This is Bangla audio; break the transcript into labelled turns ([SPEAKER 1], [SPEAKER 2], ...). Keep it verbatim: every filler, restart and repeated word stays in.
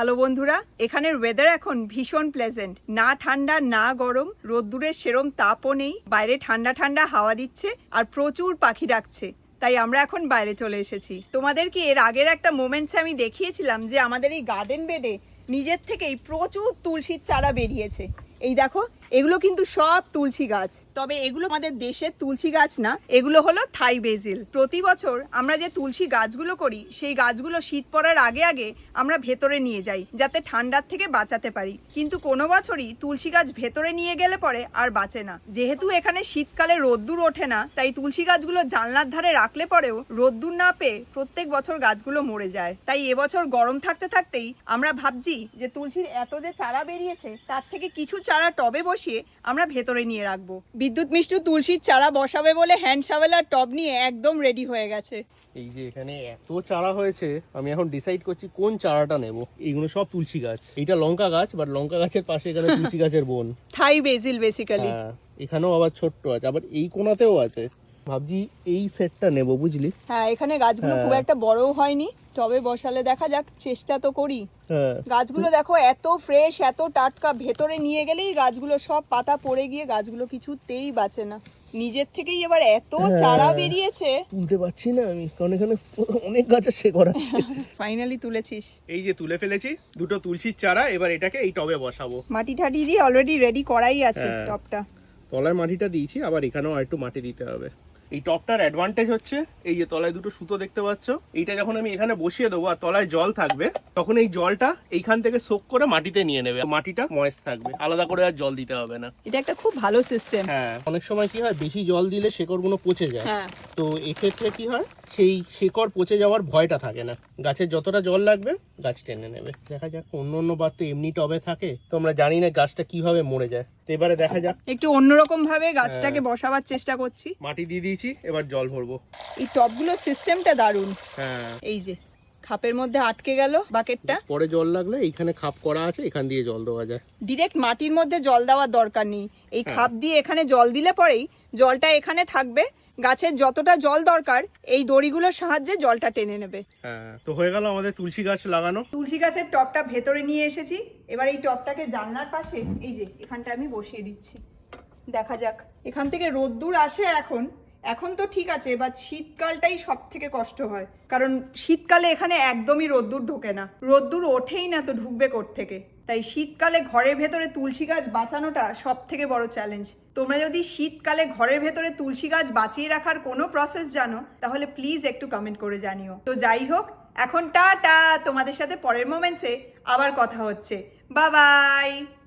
[SPEAKER 1] হ্যালো বন্ধুরা, এখানের ওয়েদার এখন ভীষণ প্লেজেন্ট, না ঠান্ডা না গরম, রোদ্দুরের সেরম তাপও নেই, বাইরে ঠান্ডা ঠান্ডা হাওয়া দিচ্ছে আর প্রচুর পাখি ডাকছে। তাই আমরা এখন বাইরে চলে এসেছি। তোমাদেরকে এর আগের একটা মোমেন্টসে আমি দেখিয়েছিলাম যে আমাদের এই গার্ডেন বেডে নিজের থেকেই প্রচুর তুলসীর চারা বেরিয়েছে। এই দেখো, এগুলো কিন্তু সব তুলসী গাছ, তবে এগুলো আমাদের দেশের তুলসী গাছ না, এগুলো হলো থাই বেজিল। প্রতি বছর আমরা যে তুলসী গাছগুলো করি সেই গাছগুলো শীত পড়ার আগে আগে আমরা ভেতরে নিয়ে যাই যাতে ঠান্ডার থেকে বাঁচাতে পারি, কিন্তু কোনো বছরই তুলসী গাছ ভেতরে নিয়ে গেলে পরে আর বাঁচে না। যেহেতু এখানে শীতকালে রোদ্দুর ওঠে না, তাই তুলসী গাছগুলো জানলার ধারে রাখলে পরেও রোদ্দুর না পেয়ে প্রত্যেক বছর গাছগুলো মরে যায়। তাই এবছর গরম থাকতে থাকতেই আমরা ভাবছি যে তুলসীর এত যে চারা বেরিয়েছে তার থেকে কিছু চারা টবে বসিয়ে আমরা ভেতরে নিয়ে রাখবো। বিদ্যুৎ মিষ্টু তুলসীর চারা বসাবে বলে হ্যান্ড শাভেল আর টব নিয়ে একদম রেডি হয়ে গেছে।
[SPEAKER 2] এই যে এখানে এত চারা হয়েছে, আমি এখন ডিসাইড করছি কোন চারাটা নেব। এইগুলো সব তুলসী গাছ, এইটা লঙ্কা গাছ, বাট লঙ্কা গাছের পাশে এখানে তুলসী গাছের বোন,
[SPEAKER 1] থাই বেজিল বেসিক্যালি।
[SPEAKER 2] হ্যাঁ, এখানেও আবার ছোট্ট আছে, আবার এই কোনাতেও আছে। ভাবছি এই সেটটা নেব, বুঝলি?
[SPEAKER 1] হ্যাঁ, এখানে গাছগুলো খুব একটা বড়ও হয়নি, টবে বসালে দেখা যাক, চেষ্টা তো করি।
[SPEAKER 2] হ্যাঁ,
[SPEAKER 1] গাছগুলো দেখো এত ফ্রেশ, এত টাটকা, ভেতরে নিয়ে গেলেই গাছগুলো সব পাতা পড়ে গিয়ে গাছগুলো কিছুতেই বাঁচে না। নিজের থেকেই এবার এত চারা বেরিয়েছে,
[SPEAKER 2] তুলতে পারছি না আমি, কারণ এখানে অনেক গাছের শেকড় আছে।
[SPEAKER 1] ফাইনালি তুলেছিস।
[SPEAKER 2] এই যে তুলে ফেলেছি দুটো তুলসীর চারা, এবার এটাকে এই টবে বসাবো।
[SPEAKER 1] মাটি ঠাটি দিয়ে অলরেডি রেডি করাই আছে
[SPEAKER 2] হ্যাঁ।
[SPEAKER 1] টবটা।
[SPEAKER 2] তলায় মাটিটা দিয়েছি, আবার এখানেও আর একটু মাটি দিতে হবে। এই টপটার অ্যাডভান্টেজ হচ্ছে এই যে তলায় দুটো সুতো দেখতে পাচ্ছ, এইটা যখন আমি এখানে বসিয়ে দেবো আর তলায় জল থাকবে, তখন এই জলটা এইখান থেকে সোক করে মাটিতে নিয়ে নেবে, মাটিটা ময়েস্ট থাকবে, আলাদা করে আর জল দিতে হবে না।
[SPEAKER 1] এটা একটা খুব ভালো সিস্টেম।
[SPEAKER 2] হ্যাঁ, অনেক সময় কি হয়, বেশি জল দিলে শেকড়গুলো পচে যায়।
[SPEAKER 1] হ্যাঁ,
[SPEAKER 2] তো এক্ষেত্রে কি হয়, সেই শেকড় পচে যাওয়ার ভয়টা থাকে না। গাছের যতটা জল লাগবে গাছ টেনে নেবে। দেখা যাক, অন্য অন্য বার তো এমনি টবে থাকে, তো আমরা জানি না গাছটা কিভাবে মরে যায়। তো এবারে দেখা যাক,
[SPEAKER 1] একটু অন্যরকম ভাবে গাছটাকে বসাবার চেষ্টা করছি।
[SPEAKER 2] মাটি দিয়ে দিয়েছি, এবার জল ভরবো।
[SPEAKER 1] এই টবগুলোর সিস্টেমটা দারুণ।
[SPEAKER 2] হ্যাঁ,
[SPEAKER 1] এই যে খাপের মধ্যে আটকে গেল বাকেটটা,
[SPEAKER 2] পরে জল লাগলে এইখানে খাপ করা আছে, এখান দিয়ে জল দেওয়া যায়।
[SPEAKER 1] ডিরেক্ট মাটির মধ্যে জল দেওয়ার দরকার নেই। এই খাপ দিয়ে এখানে জল দিলে পরেই জলটা এখানে থাকবে, গাছের যতটা জল দরকার এই দড়িগুলোর সাহায্যে জলটা টেনে নেবে।
[SPEAKER 2] হ্যাঁ, তো হয়ে গেল আমাদের তুলসী গাছ লাগানো।
[SPEAKER 1] তুলসী গাছের টবটা ভেতরে নিয়ে এসেছি, এবার এই টবটাকে জানলার পাশে এই যে এখানটা আমি বসিয়ে দিচ্ছি। দেখা যাক, এখান থেকে রোদ্দুর আসে এখন এখন তো ঠিক আছে, বাট শীতকালটাই সব থেকে কষ্ট হয়, কারণ শীতকালে এখানে একদমই রোদ্দুর ঢোকে না, রোদ্দুর ওঠেই না, তো ঢুকবে কোত্থেকে? তাই শীতকালে ঘরের ভেতরে তুলসী গাছ বাঁচানোটা সব থেকে বড় চ্যালেঞ্জ। তোমরা যদি শীতকালে ঘরের ভেতরে তুলসী গাছ বাঁচিয়ে রাখার কোনো প্রসেস জানো তাহলে প্লিজ একটু কমেন্ট করে জানিও। তো যাই হোক, এখন টাটা, তোমাদের সাথে পরের মোমেন্টসে আবার কথা হচ্ছে। Bye by.